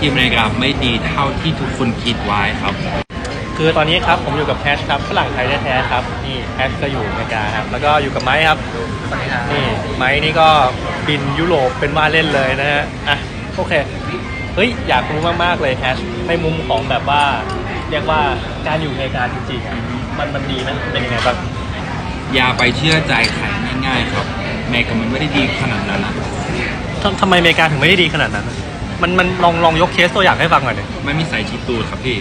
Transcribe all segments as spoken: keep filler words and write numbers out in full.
ที่อเมริกาไม่ดีเท่าที่ทุกคนคิดไว้ครับคือตอนนี้ครับผมอยู่กับแพชครับฝรั่งไทยแท้ๆครับนี่แพชก็อยู่อเมริกาครับแล้วก็อยู่กับไม้ครับนี่ไม้นี่ก็บินยุโรปเป็นว่าเล่นเลยนะฮะอ่ะโอเคเฮ้ยอยากรู้มากๆเลยแพชในมุมของแบบว่าเรียกว่าการอยู่อเมริกาจริงๆอ่ะมันมันดีไหมเป็นยังไงบ้างอย่าไปเชื่อใจใครง่ายๆครับอเมริกามันไม่ได้ดีขนาดนั้นนะทำทำไมอเมริกาถึงไม่ได้ดีขนาดนั้นมันมันลองลองยกเคสตัวอย่างให้ฟังหน่อยดิไม่มีสายชีตูดครับพี่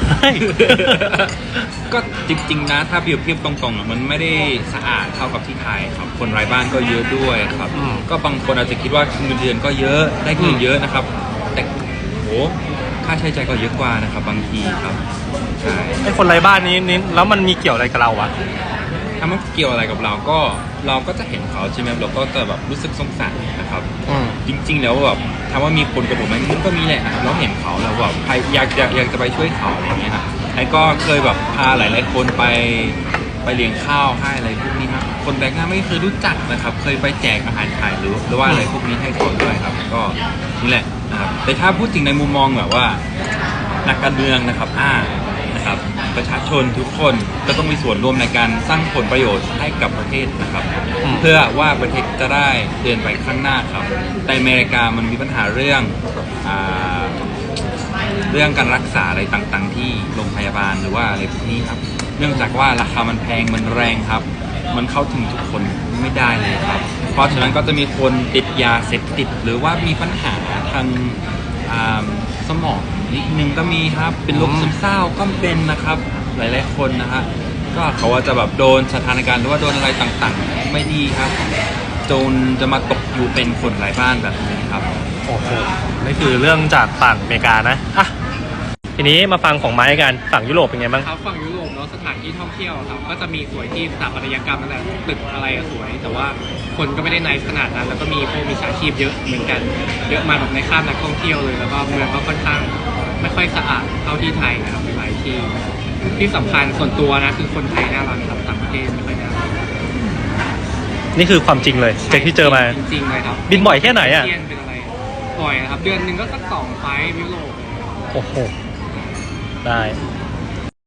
ก็จริงๆนะถ้าเปรียบเทียบตรงๆมันไม่ได้สะอาดเท่ากับที่ไทยครับคนไร้บ้านก็เยอะด้วยครับก็บางคนอาจจะคิดว่าเงินเดือนก็เยอะได้เงินเยอะนะครับแต่โหค่าใช้จ่ายก็เยอะกว่านะครับบางทีครับใช่ไอ้คนไร้บ้านนี้นี่แล้วมันมีเกี่ยวอะไรกับเราอะถ้ามันเกี่ยวอะไรกับเราก็เราก็จะเห็นเขาใช่ไหมเราก็จะแบบรู้สึกสงสารนะครับจริงๆแล้วแบบถามว่ามีคนกับผมไหมมันก็มีแหละเราเห็นเขาแล้วแบบใครอยากอยากอยากจะไปช่วยเขาอะไรเงี้ยครับไอ้ก็เคยแบบพาหลายๆคนไปไปเลี้ยงข้าวให้อะไรพวกนี้ครับคนแปลกหน้าไม่เคยรู้จักนะครับเคยไปแจกอาหารขายหรือหรือว่าอะไรพวกนี้ให้เขาด้วยครับก็นี่แหละนะครับแต่ถ้าพูดถึงในมุมมองแบบว่านักการเมืองนะครับอ่านะครับประชาชนทุกคนก็ต้องมีส่วนร่วมในการสร้างผลประโยชน์ให้กับประเทศนะครับเพื่อว่าประเทศจะได้เดินไปข้างหน้าครับแต่อเมริกามันมีปัญหาเรื่องอ่าเรื่องการรักษาอะไรต่างๆที่โรงพยาบาลหรือว่าอะไรพวกนี้ครับเนื่องจากว่าราคามันแพงมันแรงครับมันเข้าถึงทุกคนไม่ได้เลยครับเพราะฉะนั้นก็จะมีคนติดยาเสพติดหรือว่ามีปัญหาทางสมองนิดนึงก็มีครับเป็นโรคซึมเศร้าก็เป็นนะครับหลายๆคนนะฮะก็เขาว่าจะแบบโดนสถานการณ์หรือว่าโดนอะไรต่างๆไม่ดีครับจนจะมาตกอยู่เป็นคนไร้บ้านแบบนี้ครับโอ้โหนี่คือเรื่องจากฝั่งอเมริกานะอ่ะทีนี้มาฟังของไม้กันฝั่งยุโรปเป็นไงบ้างครับฝั่งยุโรปเนาะสถานที่ท่องเที่ยวครับก็จะมีสวยที่สถาปัตยกรรมอะไรตึกอะไรสวยแต่ว่าคนก็ไม่ได้ในขนาดนั้นแล้วก็มีพวกมีสาชีพเยอะเหมือนกันเยอะมาแบบในข้ามนักท่องเที่ยวเลยแล้วก็เมืองก็ค่อนข้างไม่ค่อยสะอาดเท่าที่ไทยนะครับหลายที่ที่สำคัญส่วนตัวนะคือคนไทยน่ารักครับต่างประเทศไม่ค่อยน่ารักนี่คือความจริงเลยจากที่เจอมาจริงๆเลยครับบินบ่อยแค่ไหนอ่ะเป็นอะไรบ่อยนะครับเดือนหนึ่งก็สักสองไฟล์ยุโรปโอ้โหได้